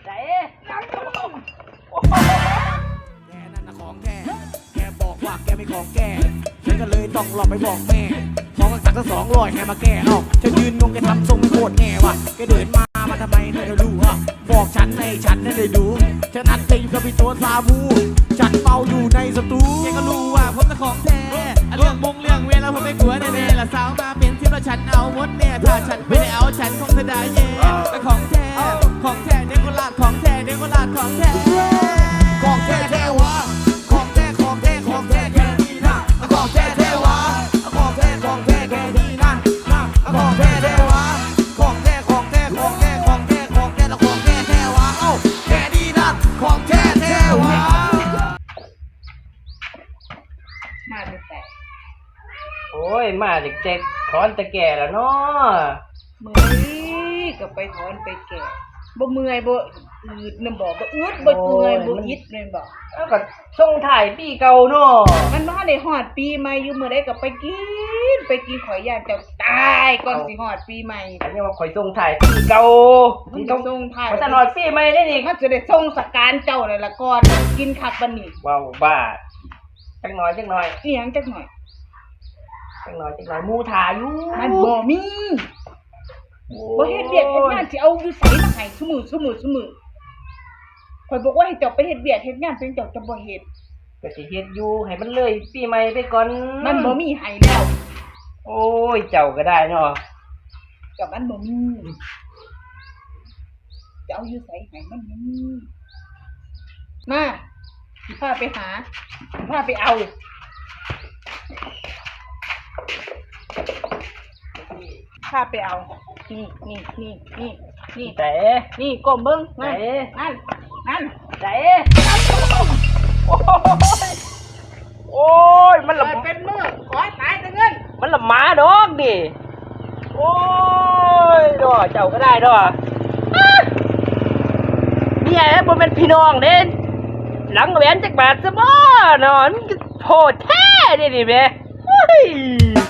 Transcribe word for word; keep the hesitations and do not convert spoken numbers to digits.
ไหนยังแกนั่นนะของแกแกบอกว่าแกไม่ของแกฉันก็เลยต้องหลอกไปบอกแม่พอกันตักก็สองร้อยแกมาแก้เอ้าฉันยืนงงแกทำทรงไม่โคตรแง่ว่ะแกเดินมามาทำไมเธอจะรู้อ่ะบอกฉันในฉันนั่นได้ดูฉันนัดเตะอยู่กับพี่ตัวซาบูฉันเมาอยู่ในสตูแกก็รู้ว่าผมเป็นของแท้เรื่องมงเรื่องเวลาผมไม่กลัวแน่ๆละสาวมาเป็นที่แล้วฉันเอาหมดแน่ถ้าฉันไม่ได้เอาฉันคงจะได้แย่แต่ของแท้ของแท้เด็กก็ลาดของแท้เด็กก็ลาดของแท้ของแท้แท้วะของแท้ของแท้ของแท้แค่นี้นะของแท้แท้วะของแท้ของแท้แค่นี้นะของแท้แท้วะของแท้ของแท้ของแท้ของแท้ของแท้แล้วของแท้แท้วะเอ้าแค่นี้นะของแท้แท้วะมาเป็นแต่โอ้ยมาเด็กๆถอนตะแก่แล้วเนาะเมื่อยก็ไปถอนไปแก่บ่เมื่อยบ่อืดนำบ่บ่อืดบ่เมื่อยบ่อิดเลยบ่แล้วก็ส่งถ่ายปีเก่าเนาะมันบ่ได้ฮอดปีใหม่อยู่มื้อใดก็ไปกินไปกินข่อยย่านเจ้าตายก่อนสิฮอดปีใหม่อันนี้ว่าข่อยส่งถ่ายปีเก่ามันที่ต้ต้ออง งส่งท้ายมันจะนอนปีใหม่ได้นี่มันจะได้ส่งสการเจ้านั่นล่ะก่อนกินคักบัดนี้ว้าวบ้าจักหน่อยจักหน่อยอีหยังจักหน่อยจักหน่อยจักหน่อยหมูถ่ายอยู่มันบ่มีบ่เฮ็ดเวียกเฮ็ดงานสิเอาอยู่ไสมาให้ซุมื้อซุมื้อซุมื้อข่อยบอกว่าให้เจ้าไปเฮ็ดเวียกเฮ็ดงานเป็นเจ้าจะบ่เฮ็ดก็สิเฮ็ดอยู่ให้มันเลยปีใหม่ไปก่อนมันบ่มีให้แล้วโอ้ยเจ้าก็ได้เนาะกับมันบ่มีจะเอาอยู่ไสให้มันมีมาสิพาไปหาสิพาไปเอาพาไปเอานี่นี่นี่นี่นี่แต่นี่ก้มเบิ่งไหนนั่นนั่นนั่นแต่โอ้ยโอ้ยมันเปิละดเป็นมือขอตายแต่เงินมันละหมาดอกดิโอ้ยดอเจ้าก็ได้ดอเนี่ยบ่เป็นพี่น้องเด้หลังแหวนจักบาทซะบ่นอนโพดแท้เด้นี่แม่เฮ้ย